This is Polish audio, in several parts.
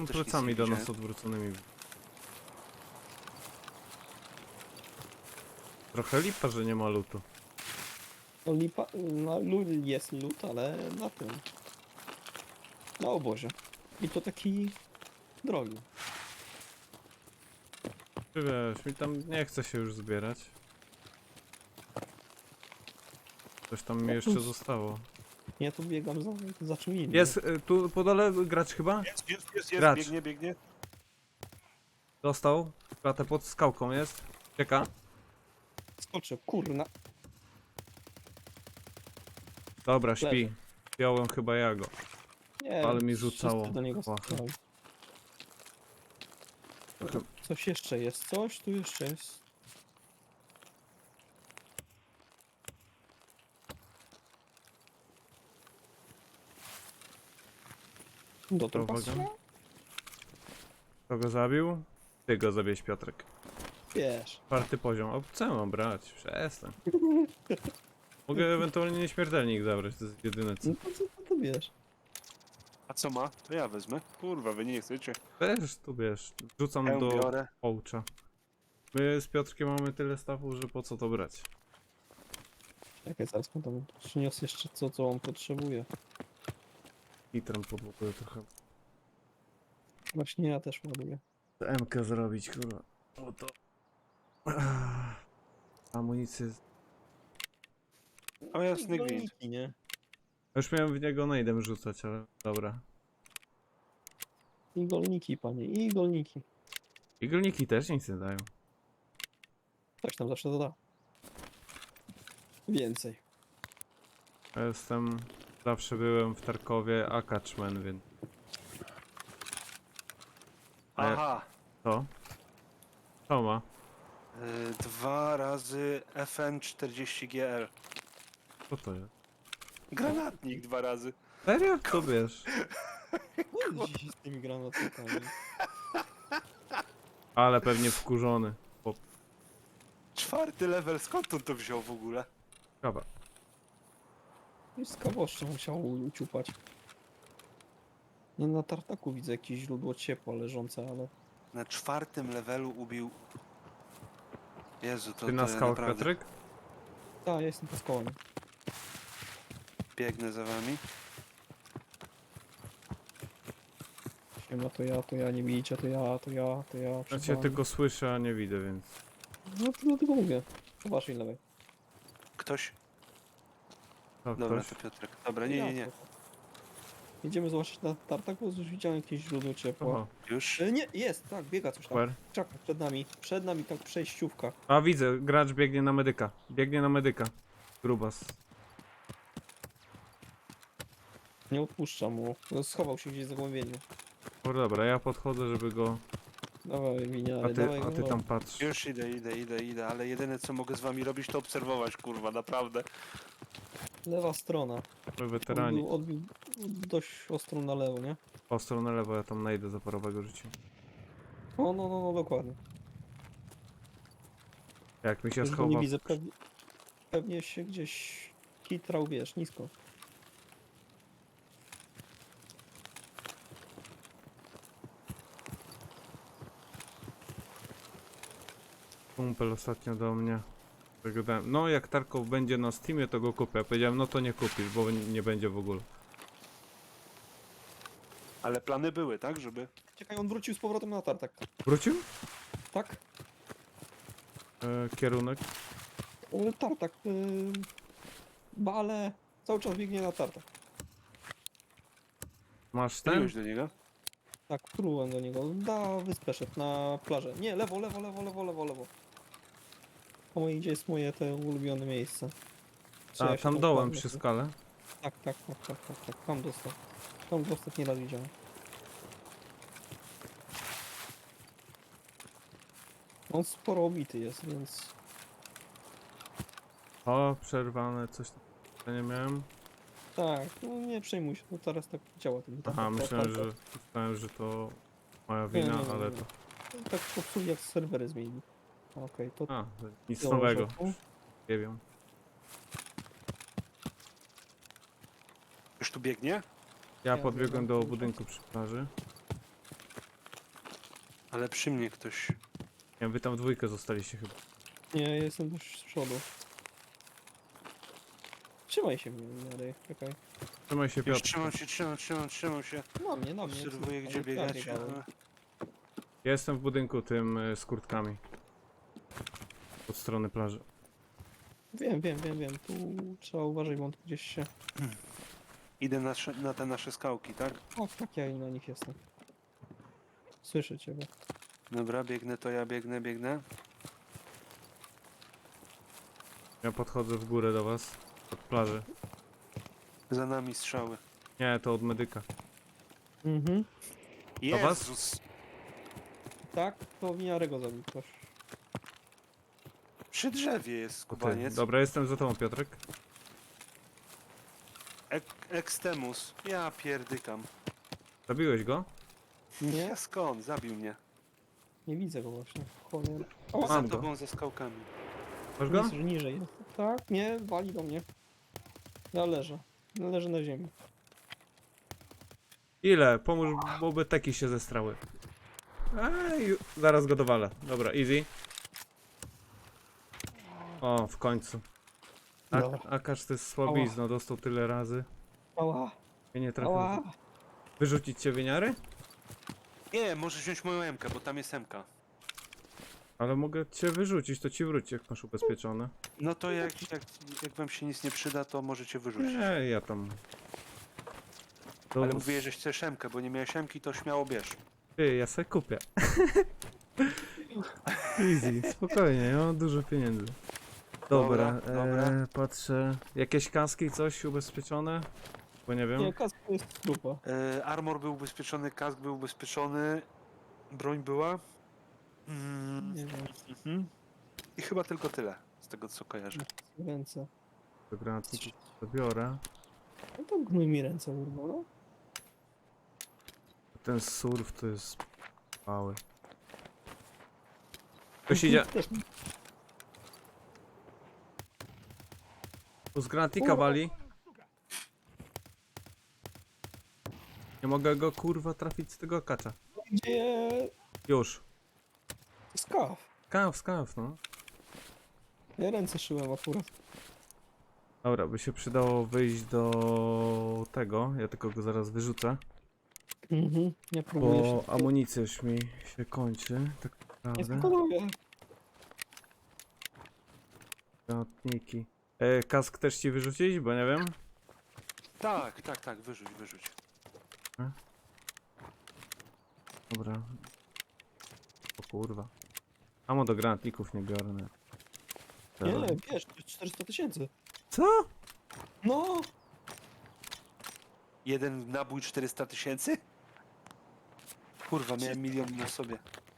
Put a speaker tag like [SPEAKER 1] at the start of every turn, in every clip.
[SPEAKER 1] Są
[SPEAKER 2] też nic
[SPEAKER 1] plecami
[SPEAKER 2] nie
[SPEAKER 1] do nas
[SPEAKER 2] widziałem.
[SPEAKER 1] odwróconymi. Trochę lipa, że nie ma lutu.
[SPEAKER 3] No lipa, no, jest lód, ale na tym. Na obozie. I to taki drogi.
[SPEAKER 1] Czy wiesz, mi tam nie chce się już zbierać. Coś tam mi jeszcze zostało.
[SPEAKER 3] Ja tu biegam za czym innym.
[SPEAKER 1] Jest, tu po dole gracz chyba?
[SPEAKER 2] Jest,
[SPEAKER 1] Gracz.
[SPEAKER 2] biegnie.
[SPEAKER 1] Dostał. Klatę pod skałką jest. Czeka.
[SPEAKER 3] Skoczę, kurna.
[SPEAKER 1] Dobra, śpi.
[SPEAKER 3] Leży.
[SPEAKER 1] Wziąłem chyba ja go.
[SPEAKER 3] Nie,
[SPEAKER 1] Ale mi
[SPEAKER 3] wszyscy
[SPEAKER 1] rzucało.
[SPEAKER 3] do niego
[SPEAKER 1] Płachę.
[SPEAKER 3] strzelali. Coś jeszcze jest, coś tu jeszcze jest. Do
[SPEAKER 1] To
[SPEAKER 3] trupa
[SPEAKER 1] uwaga.
[SPEAKER 3] strzela?
[SPEAKER 1] Kto go zabił? Ty go zabierz, Piotrek.
[SPEAKER 3] Wiesz.
[SPEAKER 1] 4. poziom. O, co mam brać? Przestań. Mogę ewentualnie nieśmiertelnik zabrać, to jest jedyne co.
[SPEAKER 3] No to co to wiesz?
[SPEAKER 2] A co ma? To ja wezmę. Kurwa, wy nie chcecie.
[SPEAKER 1] Też tu wiesz, rzucam
[SPEAKER 2] Hełm
[SPEAKER 1] do
[SPEAKER 2] biorę.
[SPEAKER 1] połcza. My z Piotrkiem mamy tyle stawu, że po co to brać?
[SPEAKER 3] Czekaj, zaraz mu tam przyniosę jeszcze co on potrzebuje.
[SPEAKER 1] Nitram podłokuję trochę.
[SPEAKER 3] Właśnie ja też ładuję.
[SPEAKER 1] MK zrobić, kurwa. O to. Amunicję.
[SPEAKER 2] O jasny gwint.
[SPEAKER 3] Golniki, nie?
[SPEAKER 1] Już miałem w niego najdem rzucać, ale dobra.
[SPEAKER 3] I golniki, panie, i golniki.
[SPEAKER 1] Iglniki też nic nie dają.
[SPEAKER 3] Coś tam zawsze doda. Więcej.
[SPEAKER 1] Ja jestem... Zawsze byłem w Tarkowie Akaczmen, więc...
[SPEAKER 2] Aha.
[SPEAKER 1] Co? Co ma?
[SPEAKER 2] 2 razy FN40GL.
[SPEAKER 1] Co to jest?
[SPEAKER 2] Granatnik 2 razy.
[SPEAKER 1] Serio? Co wiesz?
[SPEAKER 3] No dzisiaj z tymi granatnikami.
[SPEAKER 1] Ale pewnie wkurzony.
[SPEAKER 2] 4. level, skąd on to wziął w ogóle?
[SPEAKER 1] Kawa.
[SPEAKER 3] I z kawoszczą musiał uciupać. Nie, na tartaku widzę jakieś źródło ciepła leżące, ale...
[SPEAKER 2] Na 4. levelu ubił... Jezu, to,
[SPEAKER 1] Ty na
[SPEAKER 2] to ja
[SPEAKER 1] skałach,
[SPEAKER 2] naprawdę
[SPEAKER 1] Piotrek?
[SPEAKER 3] Tak, ja jestem pod kołem.
[SPEAKER 2] biegnę za wami.
[SPEAKER 3] Siema, to ja, nie bijcie, to ja.
[SPEAKER 1] Ja
[SPEAKER 3] przed
[SPEAKER 1] cię
[SPEAKER 3] wami.
[SPEAKER 1] tylko słyszę, a nie widzę, więc...
[SPEAKER 3] No to dlatego mówię. Po waszej lewej.
[SPEAKER 2] Ktoś?
[SPEAKER 1] Co,
[SPEAKER 2] Dobra,
[SPEAKER 1] ktoś?
[SPEAKER 2] to Piotrek. Dobra, nie.
[SPEAKER 3] Jedziemy zobaczyć na tartak, bo już widziałem jakieś źródło ciepła.
[SPEAKER 1] Oho,
[SPEAKER 2] Już?
[SPEAKER 3] Nie, jest, tak, biega coś tam.
[SPEAKER 1] super.
[SPEAKER 3] Czaka przed nami tak przejściówka.
[SPEAKER 1] A widzę, gracz biegnie na medyka. Biegnie na medyka. Grubas.
[SPEAKER 3] Nie odpuszczam mu. No, schował się gdzieś w zagłębieniu.
[SPEAKER 1] O, dobra, ja podchodzę, żeby go...
[SPEAKER 3] Dawaj, miniary,
[SPEAKER 1] A
[SPEAKER 3] dawaj
[SPEAKER 1] ty
[SPEAKER 3] go.
[SPEAKER 1] tam patrz.
[SPEAKER 2] Już idę, ale jedyne co mogę z wami robić to obserwować, kurwa, naprawdę.
[SPEAKER 3] Lewa strona.
[SPEAKER 1] My weterani.
[SPEAKER 3] Odbił dość ostro na lewo, nie?
[SPEAKER 1] Ostro na lewo, ja tam najdę zaporowego życia.
[SPEAKER 3] O, no, dokładnie.
[SPEAKER 1] Jak mi się
[SPEAKER 3] Już go
[SPEAKER 1] schowa...
[SPEAKER 3] nie widzę, pewnie się gdzieś kitrał, wiesz, nisko.
[SPEAKER 1] Kumpel ostatnio do mnie. Zagadałem. No jak Tarkow będzie na Steamie, to go kupię. Ja powiedziałem, no to nie kupisz, bo nie będzie w ogóle.
[SPEAKER 2] Ale plany były, tak, żeby...
[SPEAKER 3] Czekaj, on wrócił z powrotem na tartak.
[SPEAKER 1] Wrócił?
[SPEAKER 3] Tak?
[SPEAKER 1] Kierunek.
[SPEAKER 3] Tartak. Bale. Cały czas biegnie na tartak.
[SPEAKER 1] Masz ten?
[SPEAKER 2] Strzeliłeś do niego?
[SPEAKER 3] Tak, próbowałem do niego. Da wyspę szedł na plażę. Nie, lewo. Po mojej, gdzie jest moje te ulubione miejsce. Co ja
[SPEAKER 1] A,
[SPEAKER 3] się
[SPEAKER 1] tam dołem
[SPEAKER 3] kładnę?
[SPEAKER 1] przy skale.
[SPEAKER 3] Tak. Tam dostał. Tam go ostatni raz widziałem. On sporo obity jest, więc...
[SPEAKER 1] O, przerwane, coś tam. Ja nie miałem.
[SPEAKER 3] Tak, no nie przejmuj się, no teraz tak działa ten
[SPEAKER 1] Aha, myślałem, że to moja wina,
[SPEAKER 3] Nie.
[SPEAKER 1] ale to...
[SPEAKER 3] Tak popsuli jak serwery zmienili. Okej, to...
[SPEAKER 1] A, nic
[SPEAKER 3] Dobrze,
[SPEAKER 1] nowego.
[SPEAKER 3] tu.
[SPEAKER 1] Nie wiem.
[SPEAKER 2] Już tu biegnie?
[SPEAKER 1] Ja
[SPEAKER 3] Ja
[SPEAKER 1] podbiegłem
[SPEAKER 3] biegam
[SPEAKER 1] do
[SPEAKER 3] cały
[SPEAKER 1] budynku przy plaży.
[SPEAKER 2] Ale przy mnie ktoś.
[SPEAKER 1] Nie wiem, wy tam w dwójkę zostaliście chyba.
[SPEAKER 3] Nie, ja jestem też z przodu. Trzymaj się mnie, Mary, czekaj.
[SPEAKER 1] Trzymaj się,
[SPEAKER 2] Już
[SPEAKER 1] Piotr.
[SPEAKER 2] trzymam się.
[SPEAKER 3] Na mnie.
[SPEAKER 2] Obserwuję, gdzie
[SPEAKER 3] ale
[SPEAKER 2] biegacie.
[SPEAKER 3] prawie dałem.
[SPEAKER 1] Ja jestem w budynku tym z kurtkami. Od strony plaży.
[SPEAKER 3] Wiem. Tu trzeba uważać, bo on tu gdzieś się...
[SPEAKER 2] Idę na te nasze skałki, tak?
[SPEAKER 3] Tak, ja na nich jestem. Słyszę ciebie.
[SPEAKER 2] Dobra, biegnę, to ja biegnę.
[SPEAKER 1] Ja podchodzę w górę do was. Od plaży.
[SPEAKER 2] Za nami strzały.
[SPEAKER 1] Nie, to od medyka.
[SPEAKER 3] Mhm.
[SPEAKER 1] Do was?
[SPEAKER 2] Jezus!
[SPEAKER 3] Tak, to w miarę go zabił ktoś.
[SPEAKER 2] Przy drzewie jest
[SPEAKER 1] To ty.
[SPEAKER 2] skubaniec.
[SPEAKER 1] Dobra, jestem za tobą, Piotrek.
[SPEAKER 2] Ekstemus. Ja pierdykam.
[SPEAKER 1] Zabiłeś go?
[SPEAKER 3] Nie?
[SPEAKER 2] Ja skąd? Zabił mnie.
[SPEAKER 3] Nie widzę go właśnie. Cholera. O,
[SPEAKER 1] Mam
[SPEAKER 2] Za
[SPEAKER 1] go.
[SPEAKER 2] tobą, za skałkami.
[SPEAKER 1] Masz go?
[SPEAKER 3] jest, że niżej jest. Tak, nie, wali do mnie. Ja leżę. Leżę na ziemi.
[SPEAKER 1] Ile? Pomóż, bo by teki się zestrały. Ej, zaraz go dowalę. Dobra, easy. O, w końcu.
[SPEAKER 3] Dobra.
[SPEAKER 1] Akasz to jest słabizno, dostał tyle razy.
[SPEAKER 3] Ała,
[SPEAKER 1] Ja nie trafię.
[SPEAKER 3] ała.
[SPEAKER 1] Wyrzucić cię wieniary?
[SPEAKER 2] Nie, możesz wziąć moją M-kę, bo tam jest M-ka.
[SPEAKER 1] Ale mogę cię wyrzucić, to ci wróci, jak masz ubezpieczone.
[SPEAKER 2] No to jak wam się nic nie przyda, to możecie wyrzucić.
[SPEAKER 1] Nie, ja tam... To...
[SPEAKER 2] Ale mówię, że chcesz M-kę, bo nie miałeś M-ki, to śmiało bierz.
[SPEAKER 1] Ty, ja sobie kupię. Easy, spokojnie, ja mam dużo pieniędzy. Dobra,
[SPEAKER 2] Dobra.
[SPEAKER 1] patrzę. Jakieś kaski, coś ubezpieczone? Bo nie wiem.
[SPEAKER 3] Nie, kask to jest trupa.
[SPEAKER 2] Armor był ubezpieczony, kask był ubezpieczony, broń była.
[SPEAKER 3] Nie wiem,
[SPEAKER 2] Mhm. I chyba tylko tyle, z tego co kojarzę.
[SPEAKER 3] ręce.
[SPEAKER 1] Do granatników zabiorę.
[SPEAKER 3] No to gnój mi ręce urwał, no.
[SPEAKER 1] Ten surf to jest mały. Ktoś idzie.
[SPEAKER 3] Też
[SPEAKER 1] Tu z granatnika wali. Nie mogę go kurwa trafić z tego kacza.
[SPEAKER 3] gdzie
[SPEAKER 1] Już.
[SPEAKER 3] skaw.
[SPEAKER 1] Skaw, no.
[SPEAKER 3] Ja ręce szyłem akurat.
[SPEAKER 1] Dobra, by się przydało wyjść do tego. Ja tylko go zaraz wyrzucę.
[SPEAKER 3] Mhm, ja próbuję
[SPEAKER 1] Bo
[SPEAKER 3] się...
[SPEAKER 1] amunicja już mi się kończy. Tak
[SPEAKER 3] Nie
[SPEAKER 1] naprawdę.
[SPEAKER 3] spokonuję.
[SPEAKER 1] Granatniki. Kask też ci wyrzucić, bo nie wiem.
[SPEAKER 2] Tak, wyrzuć.
[SPEAKER 1] Dobra. O kurwa. Amo do granatników nie biorę. Nie.
[SPEAKER 3] Nie, wiesz, to jest 400 000.
[SPEAKER 1] Co?
[SPEAKER 3] No!
[SPEAKER 2] Jeden nabój 400 000? Kurwa, miałem milion na sobie.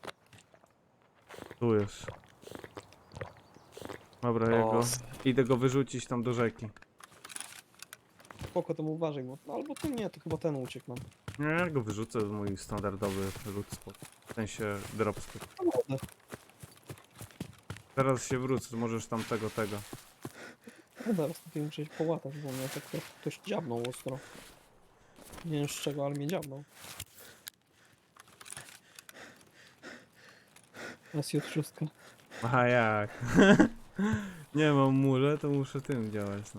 [SPEAKER 1] Tu jest. Dobra, ja
[SPEAKER 2] O,
[SPEAKER 1] go... Idę go wyrzucić tam do rzeki.
[SPEAKER 3] Spoko, to uważaj, bo... No, albo to nie, to chyba ten uciekł nam.
[SPEAKER 1] Nie, ja go wyrzucę w mój standardowy loot spot. W sensie drop spot.
[SPEAKER 3] No wodę.
[SPEAKER 1] Teraz się wrócę, możesz tam tego.
[SPEAKER 3] No zaraz tutaj muszę się połatać, bo mnie tak ktoś dziabnął ostro. Nie wiem z czego, ale mnie dziabnął. SJ6.
[SPEAKER 1] A jak? Nie mam mule, to muszę tym działać, no.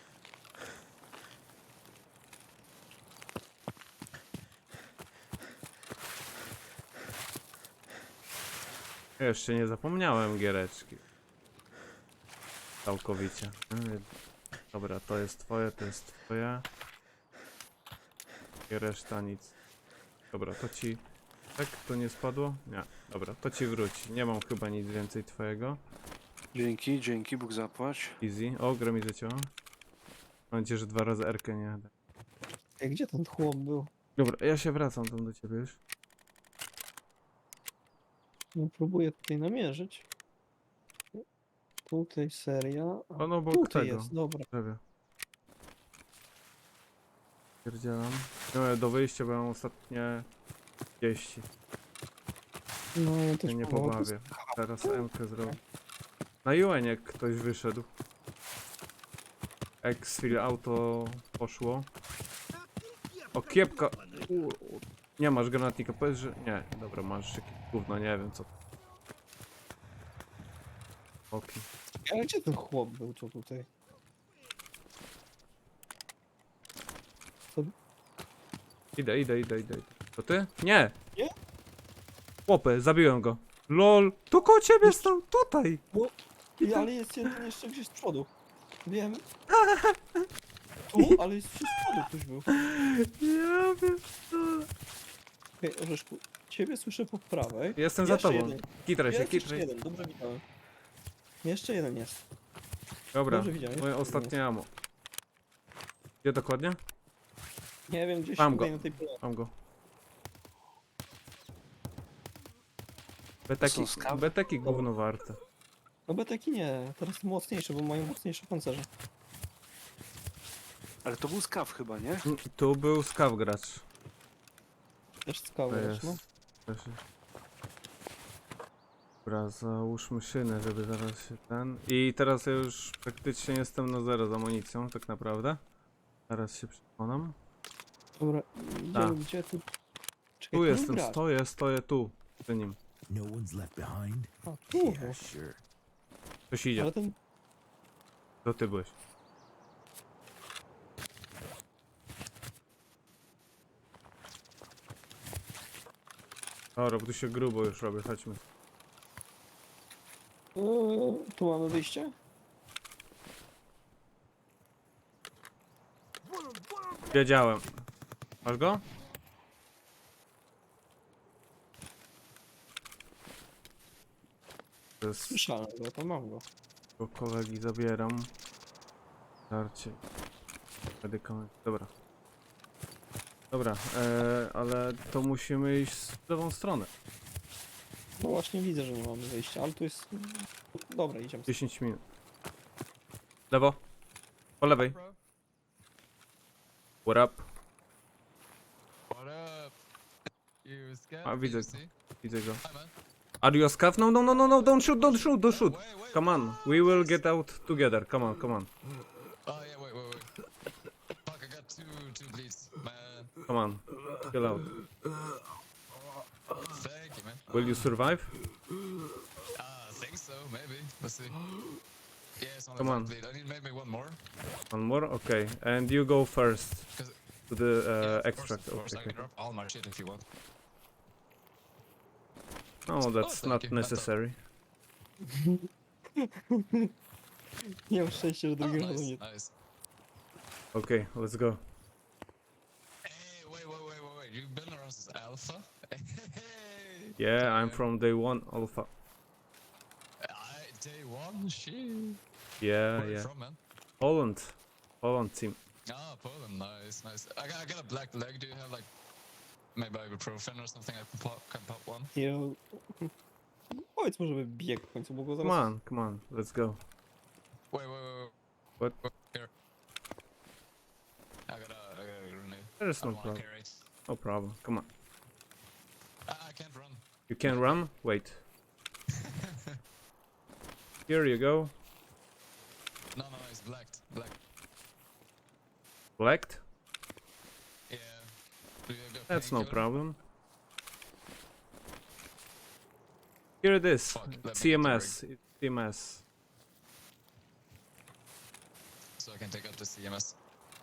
[SPEAKER 1] Jeszcze nie zapomniałem giereczki. Całkowicie. Dobra, to jest twoje, to jest twoje. I reszta nic. Dobra, to ci... Tak? To nie spadło? Nie. Dobra, to ci wróci. Nie mam chyba nic więcej twojego.
[SPEAKER 2] Dzięki, Bóg zapłać.
[SPEAKER 1] Easy. O, gra mi zacięła. Mam nadzieję, że 2 razy R-kę nie jadę.
[SPEAKER 3] Ej, gdzie ten chłop był?
[SPEAKER 1] Dobra, ja się wracam tam do ciebie już.
[SPEAKER 3] No, próbuję tutaj namierzyć. Tutaj seria. A,
[SPEAKER 1] On obok
[SPEAKER 3] tutaj
[SPEAKER 1] tego.
[SPEAKER 3] jest, dobra.
[SPEAKER 1] Drzewie. Pierdzielam. No, do wyjścia, bo mam ostatnie 30.
[SPEAKER 3] No, ja też
[SPEAKER 1] Ja nie
[SPEAKER 3] próbowałem.
[SPEAKER 1] pobawię. Teraz M-kę zrobię. Na UN jak ktoś wyszedł. Exfil auto poszło. O, kiepka. Nie masz granatnika, powiedz, że... Nie, dobra, masz jakieś gówno, nie wiem co. Okej.
[SPEAKER 3] Ale gdzie ten chłop był, co tutaj?
[SPEAKER 1] Idę. To ty? Nie!
[SPEAKER 3] Nie?
[SPEAKER 1] Chłopy, zabiłem go. LOL, to koło ciebie stał, tutaj!
[SPEAKER 3] Ale jest jeden jeszcze gdzieś z przodu. Wiem. Tu, ale jest gdzieś z przodu ktoś był.
[SPEAKER 1] Ja wiem co.
[SPEAKER 3] Okej, Orzeszku, ciebie słyszę po prawej.
[SPEAKER 1] Jestem za
[SPEAKER 3] Jeszcze
[SPEAKER 1] tobą.
[SPEAKER 3] jeden.
[SPEAKER 1] Kitraj się,
[SPEAKER 3] Jest jeszcze
[SPEAKER 1] kitraj.
[SPEAKER 3] jeden, dobrze widziałem. Jeszcze jeden jest.
[SPEAKER 1] Dobra,
[SPEAKER 3] Dobrze widziałem,
[SPEAKER 1] moje
[SPEAKER 3] jeszcze
[SPEAKER 1] ostatnie ammo. Gdzie dokładnie?
[SPEAKER 3] Nie wiem, gdzieś
[SPEAKER 1] Mam
[SPEAKER 3] tutaj
[SPEAKER 1] go.
[SPEAKER 3] na tej pole.
[SPEAKER 1] Mam go.
[SPEAKER 2] Są skawy?
[SPEAKER 1] Beteki gówno warte.
[SPEAKER 3] No beteki nie, teraz mocniejsze, bo mają mocniejsze pancerze.
[SPEAKER 2] Ale to był skaw chyba, nie?
[SPEAKER 1] Tu był skaw gracz.
[SPEAKER 3] Też
[SPEAKER 1] To
[SPEAKER 3] skały,
[SPEAKER 1] jest.
[SPEAKER 3] no.
[SPEAKER 1] Też jest. Dobra, załóżmy szynę, żeby zaraz się ten... I teraz ja już praktycznie jestem na zero z amunicją, tak naprawdę. Zaraz się przekonam.
[SPEAKER 3] Dobra,
[SPEAKER 1] Tak.
[SPEAKER 3] gdzie tu? Czekaj,
[SPEAKER 1] Tu
[SPEAKER 3] nie
[SPEAKER 1] jestem,
[SPEAKER 3] gracz.
[SPEAKER 1] stoję tu, przy nim.
[SPEAKER 4] No one's left behind?
[SPEAKER 3] A, tu.
[SPEAKER 4] Yeah, sure.
[SPEAKER 1] Ktoś idzie,
[SPEAKER 3] Ale ten...
[SPEAKER 1] to ty byłeś. Dobra, bo tu się grubo już robię, chodźmy.
[SPEAKER 3] Tu mamy wyjście?
[SPEAKER 1] Wiedziałem. Masz go? To jest...
[SPEAKER 3] Słyszałem go, to mam go.
[SPEAKER 1] Bo kolegi zabieram. Darcie. Medykament. Dobra. Dobra, ale to musimy iść w lewą stronę.
[SPEAKER 3] No właśnie widzę, że nie mamy wyjścia, ale tu jest... Dobra, idziemy.
[SPEAKER 1] 10 minut. Lewo. Po lewej.
[SPEAKER 5] Bro,
[SPEAKER 1] What up?
[SPEAKER 5] what up? You scared?
[SPEAKER 1] Ah, widzę
[SPEAKER 5] You
[SPEAKER 1] go.
[SPEAKER 5] see?
[SPEAKER 1] Widzę go.
[SPEAKER 5] Hi, man.
[SPEAKER 1] Are you a scav? No, don't shoot, don't shoot, don't shoot.
[SPEAKER 5] Wait, wait.
[SPEAKER 1] Come on, we will get out together. Come on, come on,
[SPEAKER 5] Oh yeah, wait. Fuck, I got two bleeds, man.
[SPEAKER 1] come on. Chill out.
[SPEAKER 5] Thank you, man.
[SPEAKER 1] Will you survive?
[SPEAKER 5] I think so, maybe. Let's see. Yeah, it's only
[SPEAKER 1] Come
[SPEAKER 5] one
[SPEAKER 1] on.
[SPEAKER 5] bleed. I need maybe one more.
[SPEAKER 1] One more? Okay. And you go first
[SPEAKER 5] 'Cause-
[SPEAKER 1] to the
[SPEAKER 5] Yeah, of
[SPEAKER 1] extract.
[SPEAKER 5] Course, of course. I
[SPEAKER 1] Okay.
[SPEAKER 5] can drop all my shit if you want.
[SPEAKER 1] No, that's
[SPEAKER 5] thank
[SPEAKER 1] not
[SPEAKER 5] you.
[SPEAKER 1] necessary.
[SPEAKER 3] Nie mam szczęścia, że
[SPEAKER 5] Oh,
[SPEAKER 3] drugiego razu
[SPEAKER 5] nice,
[SPEAKER 3] nie...
[SPEAKER 5] nice.
[SPEAKER 1] Okay, let's go.
[SPEAKER 5] Hey, wait. You've been around since Alpha? Hey.
[SPEAKER 1] Yeah, I'm
[SPEAKER 5] Damn.
[SPEAKER 1] from day one alpha.
[SPEAKER 5] Day one? Shit.
[SPEAKER 1] Yeah,
[SPEAKER 5] Where you
[SPEAKER 1] yeah.
[SPEAKER 5] from, man?
[SPEAKER 1] Poland team.
[SPEAKER 5] Ah, Poland, nice. I got a black leg. Do you have like maybe ibuprofen or something? I can pop one.
[SPEAKER 3] Nie... Powiedz mu, żeby biegł w końcu, bo go zaraz...
[SPEAKER 1] Come on, let's go.
[SPEAKER 5] Wait.
[SPEAKER 1] What?
[SPEAKER 5] Here. I got a grenade.
[SPEAKER 1] There's
[SPEAKER 5] I
[SPEAKER 1] no
[SPEAKER 5] don't wanna
[SPEAKER 1] problem.
[SPEAKER 5] carry it.
[SPEAKER 1] No problem. Come on.
[SPEAKER 5] I can't run.
[SPEAKER 1] You can run? Wait. Here you go.
[SPEAKER 5] No, it's blacked. Black.
[SPEAKER 1] Blacked?
[SPEAKER 5] Yeah. Do you have
[SPEAKER 1] That's no
[SPEAKER 5] painkiller?
[SPEAKER 1] problem. Here it is.
[SPEAKER 5] Fuck, let me
[SPEAKER 1] CMS. It's CMS.
[SPEAKER 5] So I can take out the CMS.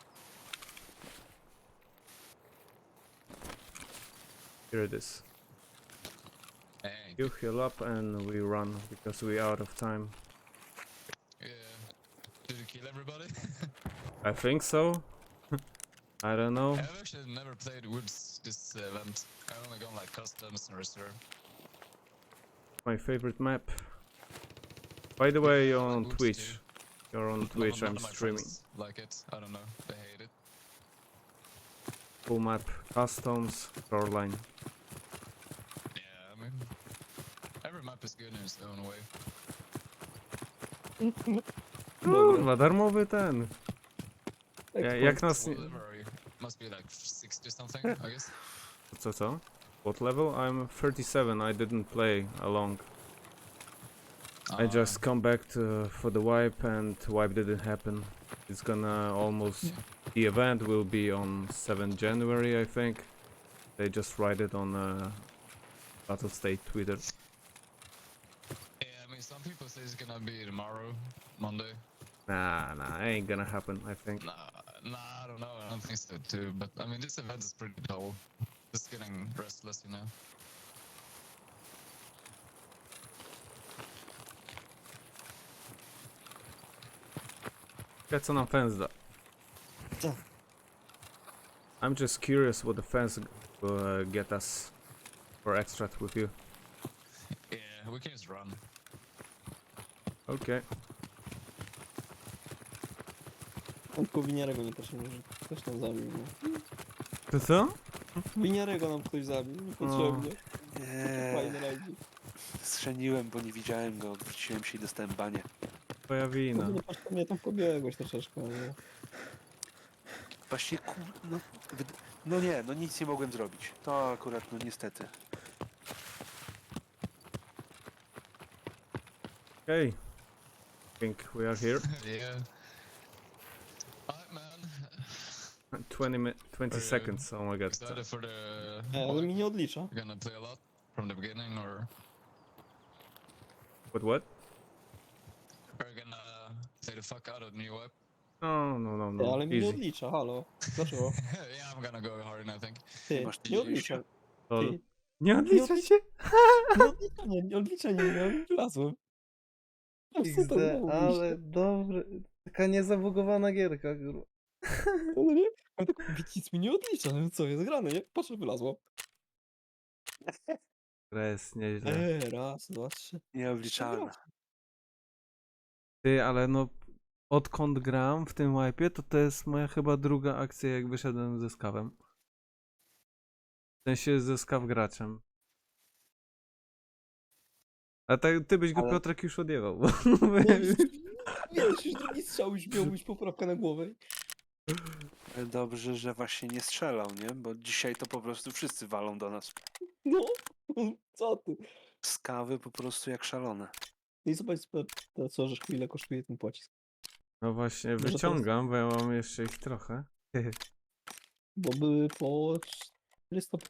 [SPEAKER 1] Here it is.
[SPEAKER 5] Thank
[SPEAKER 1] You heal up and we run because we out of time.
[SPEAKER 5] Yeah. Did you kill everybody?
[SPEAKER 1] I think so. I don't know.
[SPEAKER 5] I've actually never played Woods this event. I've only gone like customs and reserve.
[SPEAKER 1] My favorite map. By the way, you're
[SPEAKER 5] I like
[SPEAKER 1] on
[SPEAKER 5] Woods
[SPEAKER 1] Twitch.
[SPEAKER 5] too.
[SPEAKER 1] You're on
[SPEAKER 5] None-
[SPEAKER 1] Twitch.
[SPEAKER 5] none
[SPEAKER 1] I'm
[SPEAKER 5] of my
[SPEAKER 1] streaming.
[SPEAKER 5] friends like it. I don't know. They hate it.
[SPEAKER 1] Full map, customs, shoreline.
[SPEAKER 5] Yeah, I mean, every map is good in its own way.
[SPEAKER 1] Kurwa, darmowy ten. Jak nas...
[SPEAKER 5] What level are you? Must be like 60 something, I guess.
[SPEAKER 1] Co? What level? I'm 37. I didn't play along. I just come back for the wipe and wipe didn't happen. It's gonna almost... The event will be on 7th January, I think. They just write it on Battle State Twitter.
[SPEAKER 5] Yeah, I mean, some people say it's gonna be tomorrow, Monday.
[SPEAKER 1] Nah, ain't gonna happen, I think.
[SPEAKER 5] Nah, I don't know. I don't think so too. But I mean, this event is pretty dull. Just getting restless, you know.
[SPEAKER 1] Get co nam fans da.
[SPEAKER 3] Co?
[SPEAKER 1] I'm just curious what the fans get us for extract with you.
[SPEAKER 5] Yeah, we can just run.
[SPEAKER 1] Okay.
[SPEAKER 3] Tylko winiarego nie też nie może. Ktoś tam zabił. No.
[SPEAKER 1] To co?
[SPEAKER 3] Winiarego nam ktoś zabił, niepotrzebnie. Fajny
[SPEAKER 2] Nie,
[SPEAKER 3] rajdzik.
[SPEAKER 2] strzeniłem, bo nie widziałem go, odwróciłem się i dostałem banie.
[SPEAKER 1] Twoja wina.
[SPEAKER 3] No patrz, mnie tam pobiegłeś troszeczkę. No.
[SPEAKER 2] Właśnie no, no nie, no nic nie mogłem zrobić. To akurat, no niestety.
[SPEAKER 1] Okay. Think we are here.
[SPEAKER 5] Yeah. Alright, man.
[SPEAKER 1] 20
[SPEAKER 5] Okay.
[SPEAKER 1] seconds. Oh my god.
[SPEAKER 5] Excited for the.
[SPEAKER 3] Ale mi nie odlicza.
[SPEAKER 5] You're gonna play a lot from the beginning, or
[SPEAKER 1] What?
[SPEAKER 5] are you gonna play the fuck out of new web?
[SPEAKER 1] No.
[SPEAKER 3] Ale mi nie
[SPEAKER 1] Easy.
[SPEAKER 3] odlicza, halo. Dlaczego?
[SPEAKER 5] Yeah, I'm gonna go hard, I think.
[SPEAKER 3] Ty,
[SPEAKER 2] masz
[SPEAKER 3] nie odlicza.
[SPEAKER 1] Lol.
[SPEAKER 3] Ty,
[SPEAKER 1] Nie odlicza się?
[SPEAKER 3] nie odlicza, nie miałem, wlazłem. No, co to było,
[SPEAKER 1] ale dobre. Taka niezabugowana gierka, kurwa.
[SPEAKER 3] No nie? Ja tak mówię, nic mi nie odlicza, no co jest grane, nie? Patrzę, wylazło.
[SPEAKER 1] Gra jest nieźle.
[SPEAKER 3] Raz, dwa, trzy.
[SPEAKER 2] Nieobliczalne.
[SPEAKER 1] Ty, ale no... Odkąd gram w tym wipe'ie, to jest moja chyba druga akcja, jak wyszedłem ze skawem. W sensie ze skaw graczem. A tak, ty byś go,
[SPEAKER 2] Ale-
[SPEAKER 1] Piotrek, już odjechał.
[SPEAKER 3] No i wiesz, już drugi strzał już miał być poprawka na głowę.
[SPEAKER 2] Ale dobrze, że właśnie nie strzelał, nie? Bo dzisiaj to po prostu wszyscy walą do nas.
[SPEAKER 3] No, co ty?
[SPEAKER 2] Skawy po prostu jak szalone.
[SPEAKER 3] I zobacz, to co, że ile kosztuje ten pocisk.
[SPEAKER 1] No właśnie,
[SPEAKER 3] Może to
[SPEAKER 1] wyciągam, bo ja mam jeszcze ich trochę.
[SPEAKER 3] Bo były po 400